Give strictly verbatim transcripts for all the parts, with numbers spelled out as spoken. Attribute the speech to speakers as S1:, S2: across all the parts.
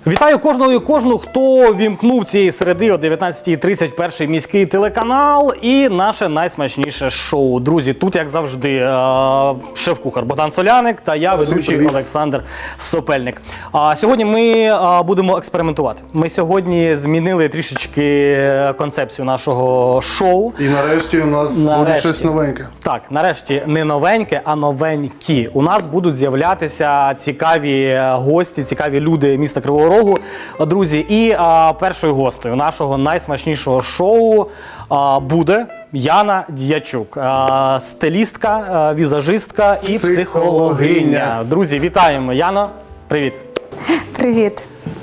S1: Вітаю кожного і кожну, хто вімкнув цієї середи о дев'ятнадцятій тридцять перший міський телеканал і наше найсмачніше шоу. Друзі, тут, як завжди, шеф-кухар Богдан Соляник та я, ведучий Олександр Сопельник. Сьогодні ми будемо експериментувати. Ми сьогодні змінили трішечки концепцію нашого шоу.
S2: І нарешті у нас нарешті. буде щось новеньке.
S1: Так, нарешті не новеньке, а новенькі. У нас будуть з'являтися цікаві гості, цікаві люди міста Кривого Рогу, друзі. І а, першою гостею нашого найсмачнішого шоу а, буде Яна Дячук, а, стилістка, а, візажистка і
S2: Психологиня.
S1: психологиня. Друзі, вітаємо. Яно, привіт.
S3: Привіт.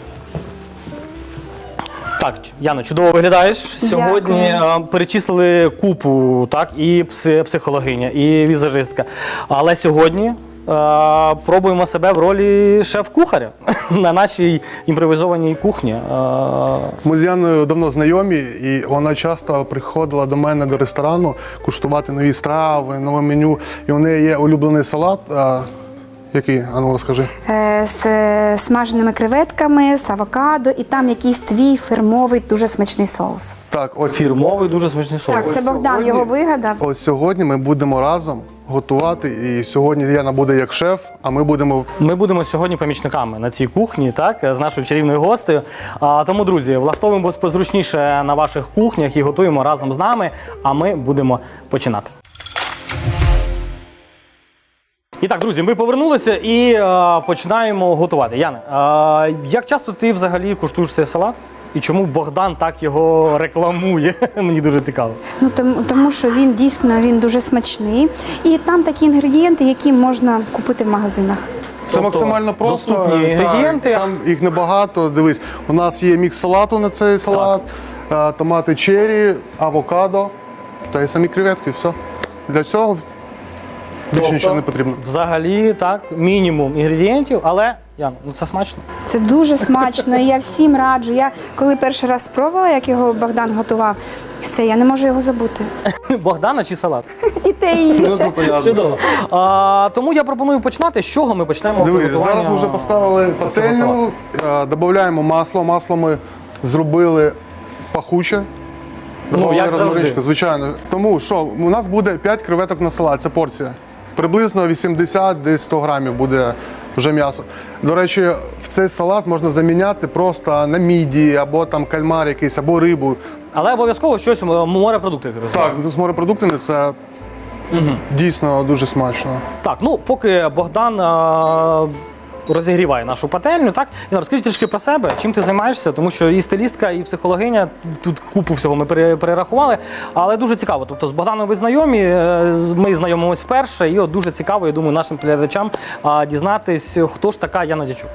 S1: Так, Яно, чудово виглядаєш. Сьогодні а, перечислили купу, так, і психологиня, і візажистка. Але сьогодні а, пробуємо себе в ролі шеф-кухаря на нашій імпровізованій кухні. А...
S2: Ми з Яною давно знайомі, і вона часто приходила до мене до ресторану куштувати нові страви, нове меню. І у неї є улюблений салат. А, який? А ну, розкажи.
S3: Е, з е, смаженими креветками, з авокадо, і там якийсь твій фірмовий, дуже смачний соус.
S2: Так, ось
S1: Фірмовий, дуже смачний соус.
S3: Так, це
S2: Ось
S3: Богдан
S2: сьогодні-
S3: його вигадав.
S2: Ось сьогодні ми будемо разом готувати. І сьогодні Яна буде як шеф, а ми будемо
S1: Ми будемо сьогодні помічниками на цій кухні, так, з нашою чарівною гостею. А, тому, друзі, влаштовуємось позручніше на ваших кухнях і готуємо разом з нами, а ми будемо починати. І так, друзі, ми повернулися і е, починаємо готувати. Яна, е, як часто ти взагалі куштуєш цей салат? І чому Богдан так його рекламує? Мені дуже цікаво.
S3: Ну, тому, тому що він дійсно він дуже смачний. І там такі інгредієнти, які можна купити в магазинах.
S2: Це
S1: Тобто
S2: максимально просто.
S1: доступні
S2: Так,
S1: інгредієнти.
S2: Там їх небагато. Дивись, у нас є мікс салату на цей салат, е, томати черрі, авокадо та й самі креветки. Все. Для цього більше нічого не потрібно.
S1: Взагалі, так, мінімум інгредієнтів, але, Ян, ну це смачно.
S3: Це дуже смачно, і я всім раджу. Я коли перший раз спробувала, як його Богдан готував, все, я не можу його забути.
S1: Богдана чи салат?
S3: І те, і інше.
S1: Чудово. А, тому я пропоную починати. З чого ми почнемо?
S2: Дивись,
S1: приготування
S2: зараз ми вже поставили
S1: цього
S2: пательню,
S1: салату?
S2: е, додаємо масло. Масло ми зробили пахуче.
S1: Ну,
S2: Добавили
S1: як завжди.
S2: розмаринчик, звичайно. Тому що у нас буде п'ять креветок на салат, це порція. Приблизно вісімдесят, десь сто грамів буде вже м'ясо. До речі, в цей салат можна заміняти просто на мідії, або там кальмар якийсь, або рибу.
S1: Але обов'язково щось морепродукти. ти розумієш?
S2: Так, з морепродуктами це дійсно дуже смачно.
S1: Так, ну поки Богдан а, розігріває нашу пательню, так? Інна, розкажи трішки про себе, чим ти займаєшся, тому що і стилістка, і психологиня, тут купу всього ми пере- перерахували, але дуже цікаво. Тобто з Богданом ви знайомі, е, з- ми знайомимось вперше, і от дуже цікаво, я думаю, нашим глядачам а, дізнатись, хто ж така Яна Дячук.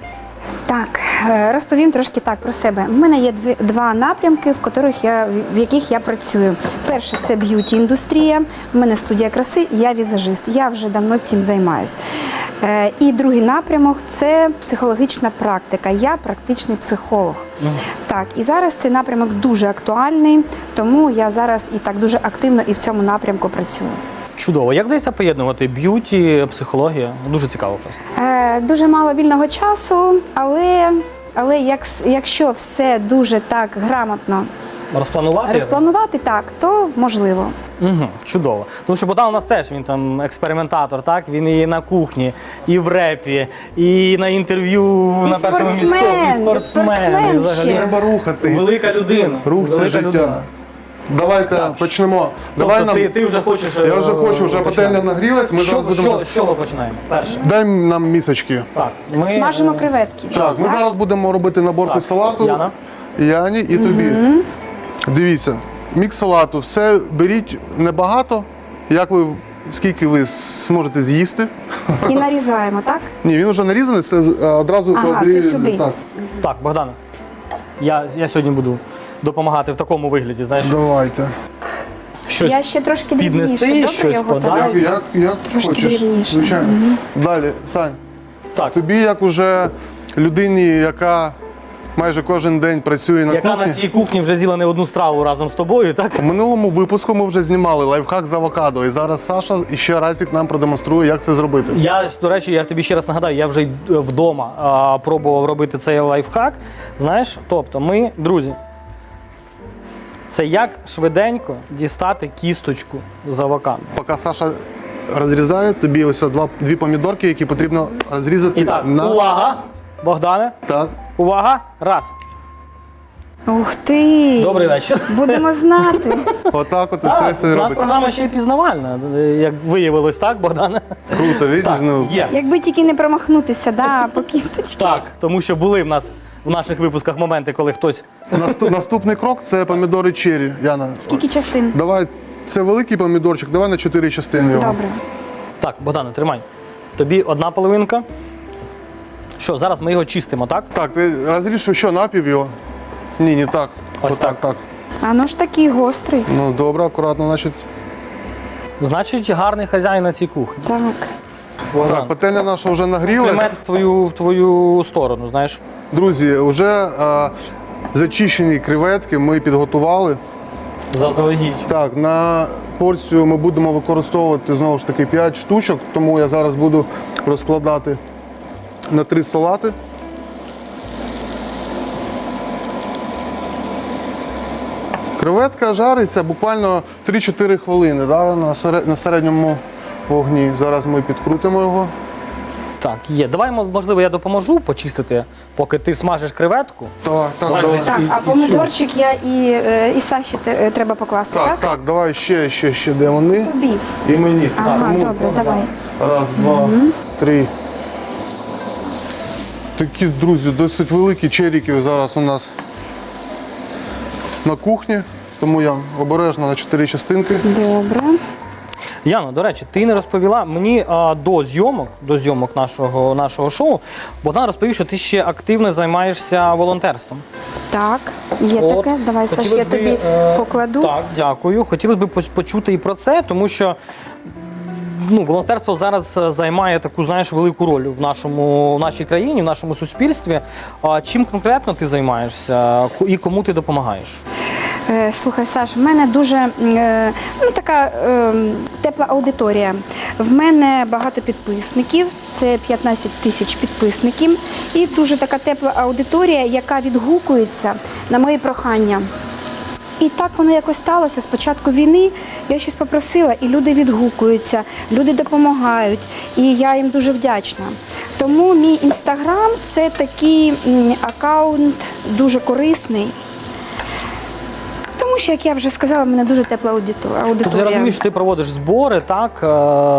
S3: Так, е, розповім трошки так про себе. У мене є дві, два напрямки, в яких я, в яких я працюю. Перше – це б'юті-індустрія, у мене студія краси, я візажист, я вже давно цим займаюсь. Е, і другий напрямок – це психологічна практика, я практичний психолог. Так, і зараз цей напрямок дуже актуальний, тому я зараз і так дуже активно і в цьому напрямку працюю.
S1: Чудово. Як вдається поєднувати б'юті, психологія? Дуже цікаво просто.
S3: Е, дуже мало вільного часу, але, але як, якщо все дуже так грамотно
S1: Розпланувати?
S3: розпланувати, так, то можливо.
S1: Угу, чудово. Тому що Богдан у нас теж, він там експериментатор, так? Він і на кухні, і в репі, і на інтерв'ю
S3: І
S1: на першому
S3: спортсмен,
S1: міському,
S3: і
S1: і спортсмен,
S3: спортсмен
S1: і взагалі.
S3: ще.
S2: Треба рухатись.
S1: Велика людина.
S2: Рух це
S1: Велика
S2: життя.
S1: людина.
S2: Давайте почнемо.
S1: Тобто
S2: Давай
S1: ти,
S2: нам...
S1: ти вже хочеш.
S2: Я вже хочу, вже
S1: е,
S2: пательня
S1: починати.
S2: нагрілась, ми
S1: що,
S2: зараз будемо...
S1: що, з чого починаємо? Перше.
S2: Дай нам місочки.
S1: Так, ми,
S3: Смажимо
S1: е,
S3: креветки.
S2: Так, ми зараз будемо робити наборку
S1: Так,
S2: салату.
S1: Яна.
S2: Яні і тобі. Дивіться, мікс салату, все беріть небагато, як ви, скільки ви зможете з'їсти.
S3: І нарізаємо, так?
S2: Ні, він вже нарізаний, це е, одразу
S3: Ага,
S2: клади-
S3: це сюди.
S2: Так,
S1: Так, Богдане, я, я сьогодні буду допомагати в такому вигляді, знаєш,
S2: давайте.
S1: щось
S3: Я ще трошки
S1: піднеси,
S3: дрібніше, добре,
S1: щось
S3: я готова?
S1: подай.
S2: Як, як, як
S3: Трошки
S2: хочеш,
S3: дрібніше.
S2: звичайно. Далі, Сань,
S1: Так,
S2: тобі як уже людині, яка майже кожен день працює на
S1: Яка
S2: кухні.
S1: на цій кухні вже з'їла не одну страву разом з тобою, так?
S2: У минулому випуску ми вже знімали лайфхак з авокадо, і зараз Саша ще разик нам продемонструє, як це зробити.
S1: Я, до речі, я тобі ще раз нагадаю, я вже й вдома а, пробував робити цей лайфхак. Знаєш, тобто ми, друзі, це як швиденько дістати кісточку з авокадо.
S2: Поки Саша розрізає, тобі ось два, дві помідорки, які потрібно розрізати
S1: І так,
S2: на...
S1: увага, Богдане,
S2: Так.
S1: увага, раз.
S3: Ух ти!
S1: Добрий вечір.
S3: Будемо знати.
S2: Отак от це
S1: Так,
S2: все
S1: у нас
S2: робиться.
S1: програма ще й пізнавальна, як виявилось, так, Богдане?
S2: Круто, видиш?
S1: Так,
S2: Ну,
S1: є.
S3: Якби тільки не промахнутися, да, по кісточці.
S1: Так, тому що були в нас в наших випусках моменти, коли хтось.
S2: наступ- наступний крок – це помідори черрі. Яна,
S3: Скільки частин?
S2: давай, це великий помідорчик, давай на чотири частини його.
S3: Добре.
S1: Так, Богдане, тримай. Тобі одна половинка. Що, зараз ми його чистимо, так?
S2: Так, ти розріж що, напів його? Ні, не так.
S1: Ось
S2: Отак,
S1: так.
S2: так.
S3: А ну ж такий гострий.
S2: Ну, добре, акуратно, значить.
S1: Значить, гарний хазяїн на цій кухні.
S3: Так.
S1: Богдан,
S2: Так, пательня наша вже нагрілась.
S1: примет в твою, в твою сторону, знаєш.
S2: Друзі, вже е, зачищені креветки ми підготували.
S1: Заздалегідь.
S2: Так, на порцію ми будемо використовувати знову ж таки п'ять штучок, тому я зараз буду розкладати на три салати. Креветка жариться буквально три-чотири хвилини, да, на серед- на середньому вогні. Зараз ми підкрутимо його.
S1: Так, є. Давай, можливо, я допоможу почистити, поки ти смажиш креветку.
S2: Так, так,
S1: Давай
S2: давай.
S1: вже
S3: Так,
S1: І-
S3: а
S1: і
S3: помидорчик я і, е, і Саші те- е, треба покласти,
S2: Так,
S3: так?
S2: так, давай ще, ще, ще, де вони.
S3: Тобі.
S2: І мені.
S3: Ага,
S2: Тому
S3: добре, давай.
S2: Раз, два, три. Такі, друзі, досить великі черіки зараз у нас на кухні, тому я обережно на чотири частинки.
S3: Добре.
S1: Яно, до речі, ти не розповіла мені а, до зйомок, до зйомок нашого, нашого шоу. Богдан розповів, що ти ще активно займаєшся волонтерством.
S3: Так, є
S1: От,
S3: таке. Давай, Саш,
S1: хотілося
S3: я
S1: б,
S3: тобі
S1: е,
S3: покладу.
S1: Так, дякую. Хотілося б поч- почути і про це, тому що ну, волонтерство зараз е, займає таку, знаєш, велику роль в нашому в нашій країні, в нашому суспільстві. А чим конкретно ти займаєшся Ко- і кому ти допомагаєш?
S3: Е, Слухай, Саш, в мене дуже е, ну, така е, тепла аудиторія. В мене багато підписників, це п'ятнадцять тисяч підписників. І дуже така тепла аудиторія, яка відгукується на мої прохання. І так воно якось сталося. З початку війни я щось попросила, і люди відгукуються, люди допомагають, і я їм дуже вдячна. Тому мій інстаграм – це такий м, аккаунт дуже корисний. Тому що, як я вже сказала, в мене дуже тепла аудитор- аудиторія.
S1: Тобто я розумію, що ти проводиш збори, так, е,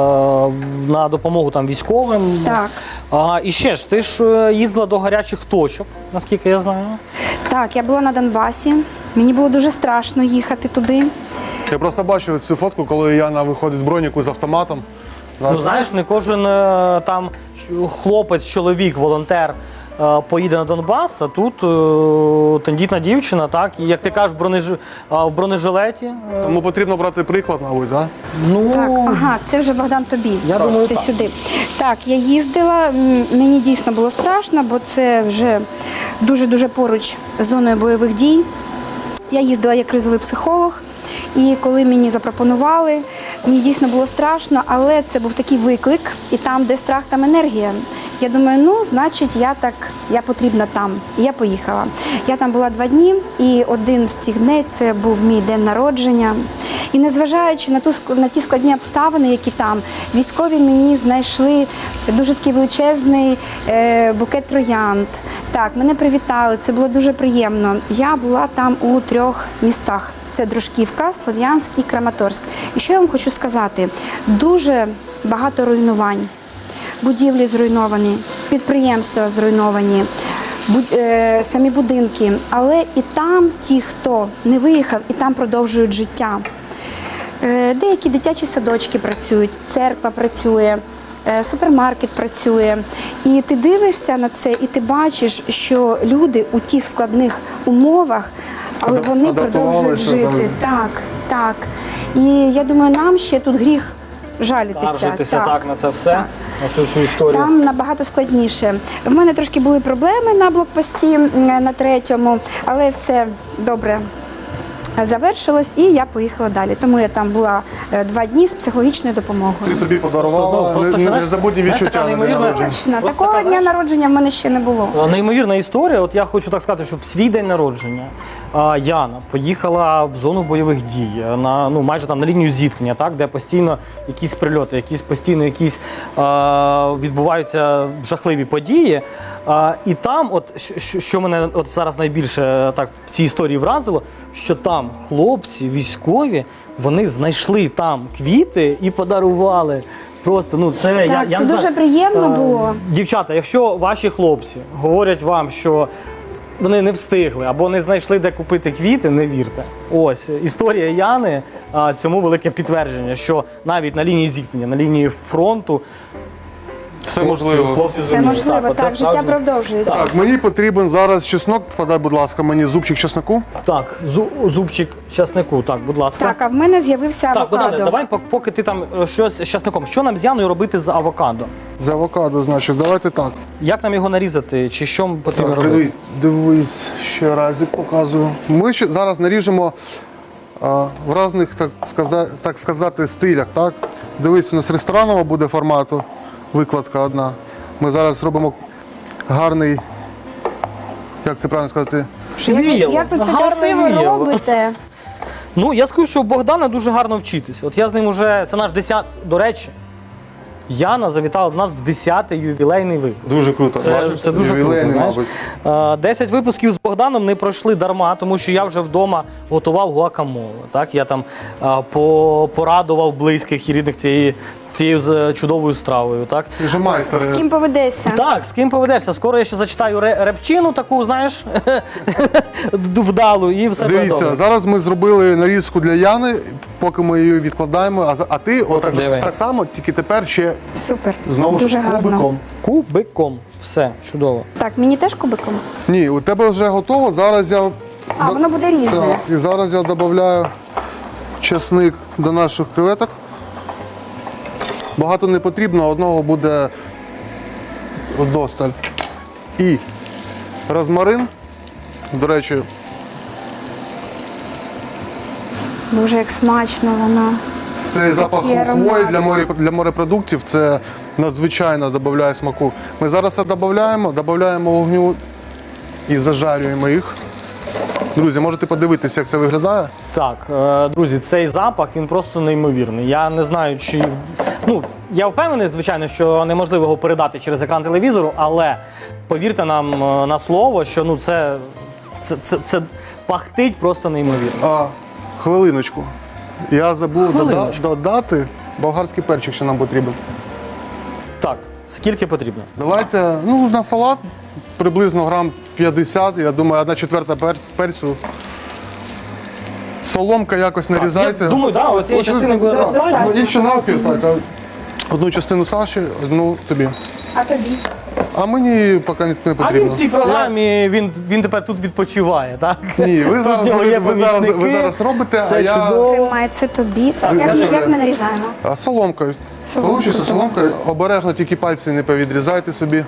S1: на допомогу там військовим.
S3: Так.
S1: А, і ще ж, ти ж е, їздила до гарячих точок, наскільки я знаю.
S3: Так, я була на Донбасі. Мені було дуже страшно їхати туди.
S2: Я просто бачив цю фотку, коли Яна виходить з броніку з автоматом.
S1: Ну знаєш, не кожен е, там хлопець, чоловік, волонтер е, поїде на Донбас, а тут е, тендітна дівчина, так, і як ти кажеш, в, бронеж... а, в бронежилеті. е,
S2: Тому потрібно брати приклад, мабуть, так?
S1: ну,
S3: Так, ага, це вже Богдан тобі.
S1: Я думаю,
S3: це
S1: так.
S3: сюди. Так, я їздила, м, мені дійсно було страшно, бо це вже дуже-дуже поруч з зоною бойових дій. Я їздила як кризовий психолог, і коли мені запропонували, мені дійсно було страшно, але це був такий виклик, і там, де страх, там енергія. Я думаю, ну, значить, я так, я потрібна там. І я поїхала. Я там була два дні, і один з цих днів це був мій день народження. І незважаючи на ту ск- на ті складні обставини, які там, військові мені знайшли дуже такий величезний е, букет троянд. Так, мене привітали, це було дуже приємно. Я була там у трьох містах. Це Дружківка, Слов'янськ і Краматорськ. І що я вам хочу сказати? Дуже багато руйнувань. Будівлі зруйновані, підприємства зруйновані, буд- е, самі будинки. Але і там ті, хто не виїхав, і там продовжують життя. Е, деякі дитячі садочки працюють, церква працює, е, супермаркет працює. І ти дивишся на це, і ти бачиш, що люди у тих складних умовах, але
S2: Адап-
S3: вони продовжують
S2: адаптувалися,
S3: жити. Так, так. І я думаю, нам ще тут гріх жалітися.
S1: Скаржитися так, на це все, на цю всю історію.
S3: Там набагато складніше. В мене трошки були проблеми на блокпості м, на третьому, але все добре завершилось і я поїхала далі. Тому я там була е, два дні з психологічною допомогою.
S2: Ти собі подарувала
S1: Просто,
S2: не-
S1: знаєш,
S2: незабутні
S1: знаєш,
S2: відчуття
S1: така
S2: на день
S1: неймовірна-
S2: народження.
S3: Точно,
S1: Просто
S3: такого
S1: така,
S3: дня
S1: знаєш,
S3: народження в мене ще не було.
S1: Неймовірна історія. От я хочу так сказати, що в свій день народження а, Яна поїхала в зону бойових дій, на ну майже там на лінію зіткнення, так, де постійно якісь прильоти, якісь постійно якісь а, відбуваються жахливі події. А, і там, от що, що мене от зараз найбільше так в цій історії вразило, що там хлопці військові вони знайшли там квіти і подарували. Просто ну це я,
S3: Так,
S1: я
S3: це
S1: не
S3: дуже
S1: знаю.
S3: приємно
S1: Е,
S3: було.
S1: Дівчата, якщо ваші хлопці говорять вам, що вони не встигли або не знайшли, де купити квіти, не вірте. Ось історія Яни а, цьому велике підтвердження, що навіть на лінії зіткнення, на лінії фронту
S2: Все можливо.
S1: хлопці
S3: Це
S1: зуміли.
S3: можливо,
S1: оце
S3: так, життя
S1: справжнє.
S3: продовжується.
S2: Так, мені потрібен зараз чеснок. Подай, будь ласка, мені зубчик чесноку.
S1: Так, зу- зубчик часнику, так, будь ласка.
S3: Так, а в мене з'явився
S1: Так, Богдане,
S3: авокадо.
S1: давай, пок- поки ти там е, щось з часником. Що нам з Яною робити з авокадо?
S2: З авокадо, значить, давайте так.
S1: Як нам його нарізати? Чи що потрібно
S2: Так,
S1: робити?
S2: диви- дивись, ще разі показую. Ми ще зараз наріжемо а, в різних, так сказати, так сказати, стилях. Так? Дивись, у нас ресторанова буде формату, викладка одна. Ми зараз робимо гарний, як це правильно сказати,
S3: Що, як, ви-
S1: Віяло.
S3: як ви це
S1: Гарне
S3: красиво
S1: віяло.
S3: робите?
S1: Ну, я скажу, що у Богдана дуже гарно вчитись. От я з ним уже, це наш десятий, до речі, Яна завітала до нас в десятий ювілейний випуск.
S2: дуже круто.
S1: Це,
S2: Бачиш,
S1: це дуже круто,
S2: ювілейний,
S1: знаєш.
S2: мабуть.
S1: Е, десять випусків з Богданом не пройшли дарма, тому що я вже вдома готував гуакамоле. Так? Я там е, по, порадував близьких і рідних цієї, цією з- чудовою стравою. Так?
S2: Ти ж майстер.
S3: З ким поведешся?
S1: Так, з ким поведешся? Скоро я ще зачитаю ре- репчину таку, знаєш, вдалу, і все буде
S2: Дивіться,
S1: добре.
S2: зараз ми зробили нарізку для Яни, поки ми її відкладаємо, а, за- а ти отак
S1: Диви.
S2: так само, тільки тепер ще
S3: Супер.
S2: знову
S3: Дуже
S2: ж
S3: гарно.
S2: кубиком.
S1: Кубиком. Все, чудово.
S3: Так, мені теж кубиком?
S2: Ні, у тебе вже готово. Зараз я
S3: А, воно буде різне.
S2: Так, і зараз я додаю чесник до наших креветок. Багато не потрібно, одного буде вдосталь. І розмарин. До речі,
S3: Боже, як смачно воно.
S2: цей запах
S3: Такий
S2: хвої
S3: аромат.
S2: для, морі, для морепродуктів це надзвичайно додає смаку. Ми зараз це додаємо, додаємо вогню і зажарюємо їх. Друзі, можете подивитися, як це виглядає.
S1: Так, е, друзі, цей запах він просто неймовірний. Я не знаю, чи ну я впевнений, звичайно, що неможливо його передати через екран телевізору, але повірте нам е, на слово, що ну це, це, це, це пахтить просто неймовірно.
S2: А, хвилиночку. Я забув дода-
S1: Хвилиночку.
S2: додати болгарський перчик, що нам потрібен.
S1: Так, скільки потрібно?
S2: Давайте, ну, на салат приблизно грам п'ятдесят, я думаю, одна четверта пер- перцю. Соломка якось нарізайте.
S1: Я думаю, да, оцієї
S2: Ось,
S1: частини буде
S2: да,
S1: достатньо.
S2: І ще навпіл, так. а Одну частину Саші, одну тобі.
S3: А тобі?
S2: А мені поки не
S1: А він
S2: потрібно.
S1: в цій програмі він, він тепер тут відпочиває, так?
S2: Ні, ви
S1: Тут
S2: зараз,
S1: в нього
S2: ви,
S1: є
S2: ви зараз, ви
S1: помічники,
S2: зараз робите,
S1: все
S2: а я
S1: чудово.
S3: Тримай, це тобі. Так, як,
S2: скажи,
S3: як ми нарізаємо?
S2: а, соломкою.
S3: Соломкою.
S2: Получиться соломкою. Обережно тільки пальці не повідрізайте собі.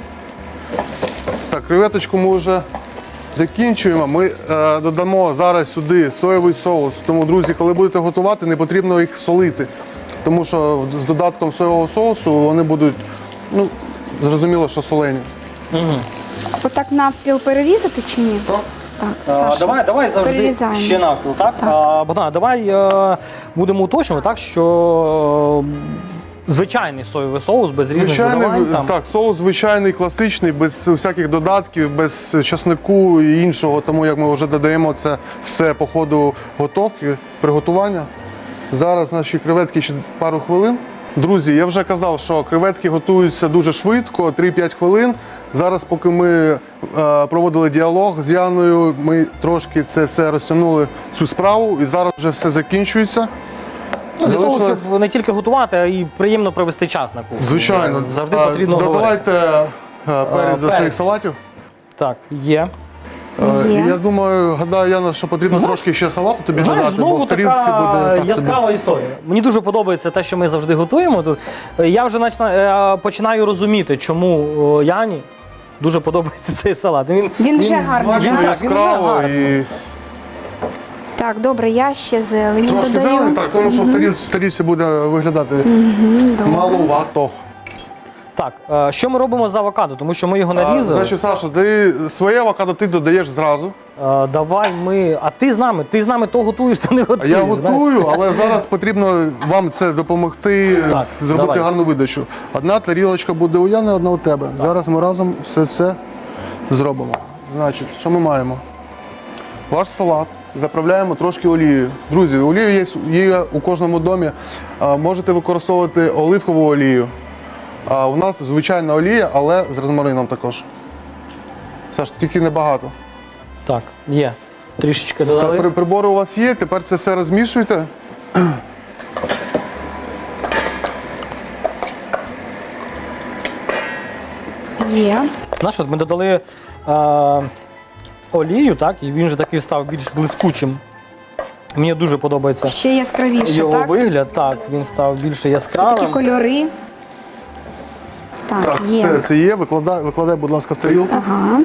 S2: Так, креветочку ми вже закінчуємо. Ми е, додамо зараз сюди соєвий соус. Тому, друзі, коли будете готувати, не потрібно їх солити. Тому що з додатком соєвого соусу вони будуть, ну, зрозуміло, що солені.
S3: Отак навпіл перерізати чи ні?
S2: Так.
S3: Так,
S1: А,
S3: Саша,
S1: давай, давай завжди
S3: перерізаємо.
S1: ще навпіл, так?
S3: Так.
S1: А, Богдана, давай е, будемо уточнювати, так, що е, звичайний соєвий соус без різних
S2: Звичайний,
S1: додавань. Там.
S2: так, соус звичайний, класичний, без всяких додатків, без часнику і іншого. Тому як ми вже додаємо це все по ходу готовки, приготування. Зараз наші креветки ще пару хвилин. Друзі, я вже казав, що креветки готуються дуже швидко, три-п'ять хвилин. Зараз, поки ми е, проводили діалог з Яною, ми трошки це все розтягнули, цю справу, і зараз вже все закінчується.
S1: Ну, для того,
S2: Залишилось-
S1: щоб не тільки готувати, а й приємно провести час на кухні.
S2: Звичайно.
S1: Завжди
S2: А,
S1: потрібно говорити.
S2: Додавайте е, перець до
S1: перець.
S2: своїх салатів.
S1: Так, є.
S2: Е,
S3: Є.
S2: Я думаю, гадаю, Яна, що потрібно трошки ще салату тобі
S1: Знаєш,
S2: додати, бо
S1: знову
S2: в тарілці
S1: така
S2: буде так собі.
S1: яскрава історія. Мені дуже подобається те, що ми завжди готуємо тут. Я вже начина- е, починаю розуміти, чому о, Яні дуже подобається цей салат. Він,
S3: Він вже гарний,
S1: він,
S2: Смачно,
S1: так, він вже
S2: яскраво
S1: гарний.
S2: і
S3: Так, добре, я ще зелені
S2: трошки
S3: додаю.
S2: зелені, так, тому що в тарілці, в тарілці буде виглядати маловато.
S1: Так, е, що ми робимо з авокадо? Тому що ми його
S2: А,
S1: нарізали.
S2: значить, Саша, ти своє авокадо ти додаєш зразу.
S1: Е, давай ми. А ти з нами, ти з нами то готуєш, то не
S2: А
S1: готуєш.
S2: я
S1: знаєш.
S2: готую, але зараз потрібно вам це допомогти,
S1: Так,
S2: зробити
S1: давай.
S2: гарну видачу. Одна тарілочка буде у Яни, одна у тебе. Зараз ми разом все це зробимо. Значить, що ми маємо? Ваш салат заправляємо трошки олією. Друзі, олія є, є у кожному домі. А, можете використовувати оливкову олію. А у нас звичайна олія, але з розмарином також. Саш, тільки небагато.
S1: Так, є. Трішечки
S2: Так,
S1: додали.
S2: при- прибори у вас є, тепер це все розмішуйте.
S3: Є.
S1: Знаєш, от ми додали е, олію, так, і він же такий став більш блискучим. Мені дуже подобається
S3: Ще яскравіше,
S1: його
S3: так?
S1: вигляд. Так, він став більше
S3: Такі
S1: яскравим.
S3: кольори. Так,
S2: Так,
S3: є.
S2: все це є. Викладай, викладай, будь ласка, в тарілку.
S3: Ага.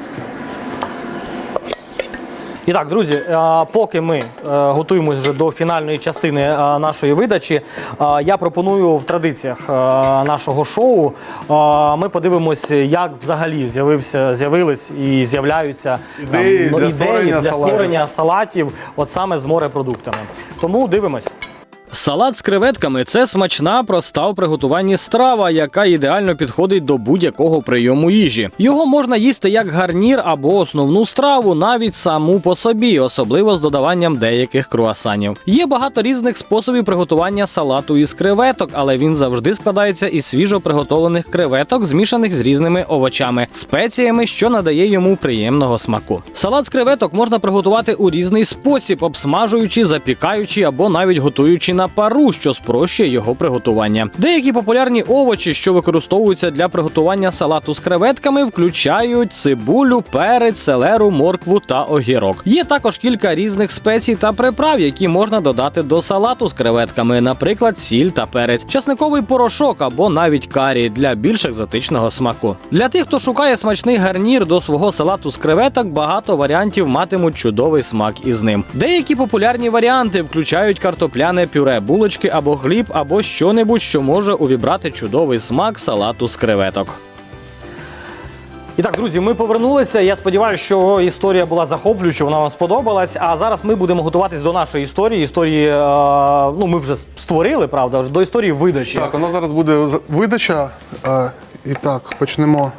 S1: І так, друзі, е, поки ми е, готуємось вже до фінальної частини е, нашої видачі, е, я пропоную в традиціях е, нашого шоу е, ми подивимося, як взагалі з'явився, з'явились і з'являються
S2: Ідеї
S1: ну,
S2: для
S1: ідеї
S2: створення
S1: для
S2: салатів.
S1: створення салатів, от саме з морепродуктами. Тому дивимось. Салат з креветками – це смачна, проста у приготуванні страва, яка ідеально підходить до будь-якого прийому їжі. Його можна їсти як гарнір або основну страву, навіть саму по собі, особливо з додаванням деяких круасанів. Є багато різних способів приготування салату із креветок, але він завжди складається із свіжо приготовлених креветок, змішаних з різними овочами, спеціями, що надає йому приємного смаку. Салат з креветок можна приготувати у різний спосіб, обсмажуючи, запікаючи або навіть готуючи на пару, що спрощує його приготування. Деякі популярні овочі, що використовуються для приготування салату з креветками, включають цибулю, перець, селеру, моркву та огірок. Є також кілька різних спецій та приправ, які можна додати до салату з креветками, наприклад, сіль та перець, часниковий порошок або навіть карі для більш екзотичного смаку. Для тих, хто шукає смачний гарнір до свого салату з креветок, багато варіантів матимуть чудовий смак із ним. Деякі популярні варіанти включають картопляне пюре, булочки або хліб, або що-небудь, що може увібрати чудовий смак салату з креветок. І так, друзі, ми повернулися. Я сподіваюся, що історія була захоплююча, вона вам сподобалась. А зараз ми будемо готуватись до нашої історії. Історії, е, ну, ми вже створили, правда, вже до історії видачі.
S2: Так, у нас зараз буде з- видача. Е, І так, почнемо.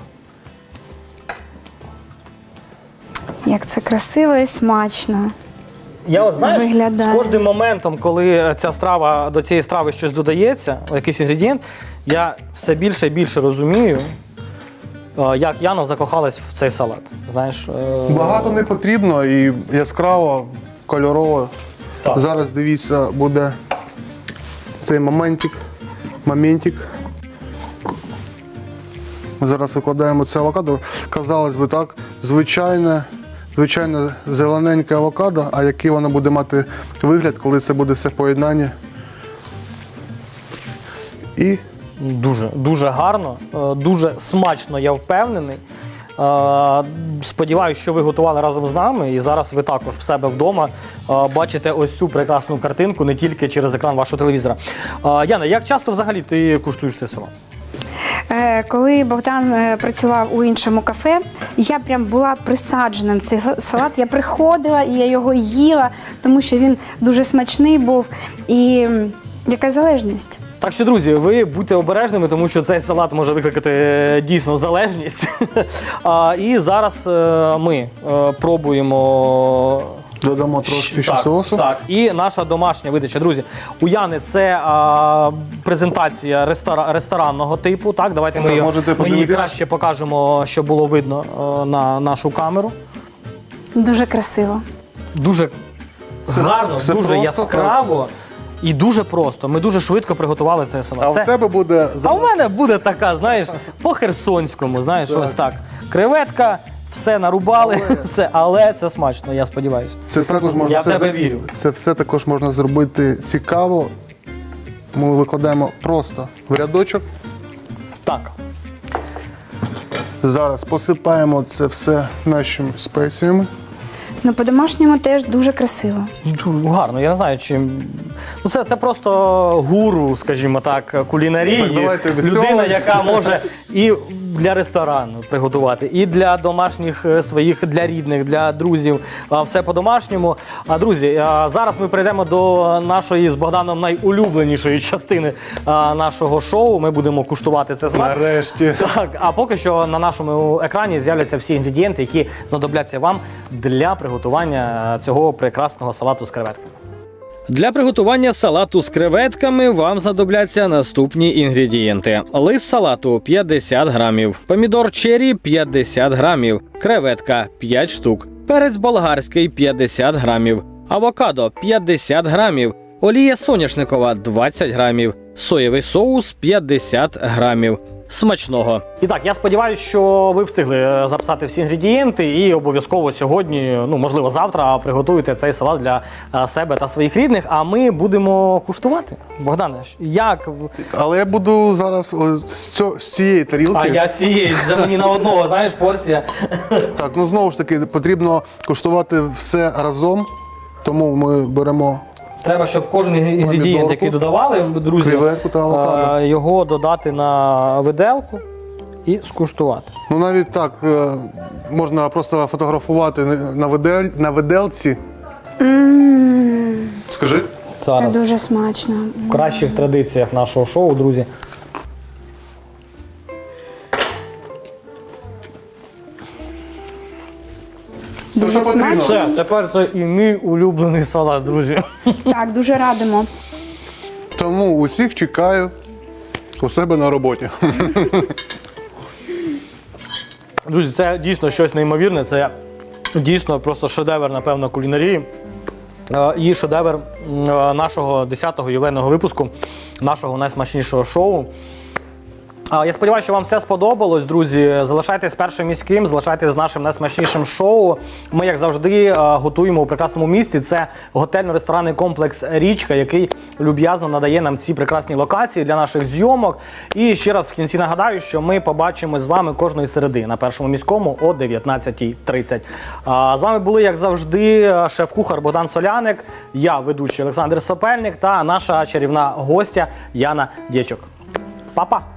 S3: Як це красиво і смачно.
S1: Я от, знаєш,
S3: Виглядає.
S1: з кожним моментом, коли ця страва, до цієї страви щось додається, якийсь інгредієнт, я все більше і більше розумію, е, як Яна закохалась в цей салат. Знаєш, е,
S2: Багато не потрібно і яскраво, кольорово.
S1: Так.
S2: Зараз дивіться, буде цей моментик. моментик. Ми зараз викладаємо це авокадо. Казалось би так, звичайне, звичайне зелененьке авокадо, а який воно буде мати вигляд, коли це буде все в поєднанні. І
S1: Дуже, дуже гарно, е, дуже смачно, я впевнений. Е, Сподіваюсь, що ви готували разом з нами, і зараз ви також в себе вдома е, бачите ось цю прекрасну картинку не тільки через екран вашого телевізора. Е, Яна, як часто взагалі ти куштуєш цей салат?
S3: Е, Коли Богдан е, працював у іншому кафе, я прям була присаджена на цей салат. Я приходила і я його їла, тому що він дуже смачний був. І м, яка залежність?
S1: Так що, друзі, ви будьте обережними, тому що цей салат може викликати е, дійсно залежність. А, І зараз е, ми е, пробуємо.
S2: додамо трошки ще
S1: Так,
S2: соусу.
S1: Так, і наша домашня видача. Друзі, у Яни це а, презентація рестора, ресторанного типу. Так, давайте ми,
S2: Так,
S1: її-
S2: можете
S1: ми її
S2: подивитися.
S1: краще покажемо, щоб було видно е, на нашу камеру.
S3: Дуже красиво.
S1: Дуже гарно,
S2: все
S1: дуже
S2: просто,
S1: яскраво і дуже просто. Ми дуже швидко приготували цей салат.
S2: А
S1: Це-
S2: в тебе буде
S1: а у мене буде така, знаєш, по-херсонському, знаєш, ось так. Креветка, все нарубали, все, але це смачно, я сподіваюся.
S2: Це також можна
S1: Я в
S2: це,
S1: тебе вірю.
S2: Це все також можна зробити цікаво. Ми викладаємо просто в рядочок.
S1: Так.
S2: Зараз посипаємо це все нашими спеціями.
S3: Ну, по-домашньому теж дуже красиво.
S1: Ну, гарно, я не знаю, чим. Ну, це, це просто гуру, скажімо так, кулінарії.
S2: Так, давайте без
S1: Людина,
S2: цього.
S1: яка може і для ресторану приготувати, і для домашніх е, своїх, для рідних, для друзів. а, Все по-домашньому. А, друзі, а, зараз ми перейдемо до нашої з Богданом найулюбленішої частини а, нашого шоу. Ми будемо куштувати це смак.
S2: Нарешті.
S1: Так, а поки що на нашому екрані з'являться всі інгредієнти, які знадобляться вам для приготування цього прекрасного салату з креветками. Для приготування салату з креветками вам знадобляться наступні інгредієнти: лист салату п'ятдесят грамів, помідор черрі п'ятдесят грамів, креветка п'ять штук, перець болгарський п'ятдесят грамів, авокадо п'ятдесят грамів, олія соняшникова двадцять грамів, соєвий соус п'ятдесят грамів. Смачного! І так, я сподіваюся, що ви встигли е, записати всі інгредієнти і обов'язково сьогодні, ну можливо завтра, приготуєте цей салат для е, себе та своїх рідних. А ми будемо куштувати. Богдане, як?
S2: Але я буду зараз о, з, цього, з цієї тарілки.
S1: А я сією, це мені на одного, знаєш, порція.
S2: Так, ну знову ж таки, потрібно куштувати все разом. Тому ми беремо.
S1: Треба, щоб кожен інгредієнт,
S2: Помідорку,
S1: який додавали, друзі,
S2: креветку та авокадо.
S1: е, його додати на виделку і скуштувати.
S2: Ну навіть так, е, можна просто фотографувати на, видель, на виделці. Скажи.
S1: Зараз
S3: Це дуже смачно.
S1: в кращих традиціях нашого шоу, друзі.
S2: То, що потрібно.
S1: Все, тепер це і мій улюблений салат, друзі.
S3: Так, дуже радимо.
S2: Тому усіх чекаю у себе на роботі.
S1: Друзі, це дійсно щось неймовірне, це дійсно просто шедевр, напевно, кулінарії. Е, І шедевр м, е, нашого десятого ювілейного випуску, нашого найсмачнішого шоу. А, Я сподіваюся, що вам все сподобалось, друзі. Залишайтесь першим міським, залишайтесь з нашим найсмачнішим шоу. Ми, як завжди, е, готуємо у прекрасному місці. Це готельно-ресторанний комплекс «Річка», який люб'язно надає нам ці прекрасні локації для наших зйомок. І ще раз в кінці нагадаю, що ми побачимось з вами кожної середи на першому міському о дев'ятнадцятій тридцять. А, З вами були, як завжди, шеф-кухар Богдан Соляник, я, ведучий Олександр Сопельник та наша чарівна гостя Яна Дєчок. Па-па!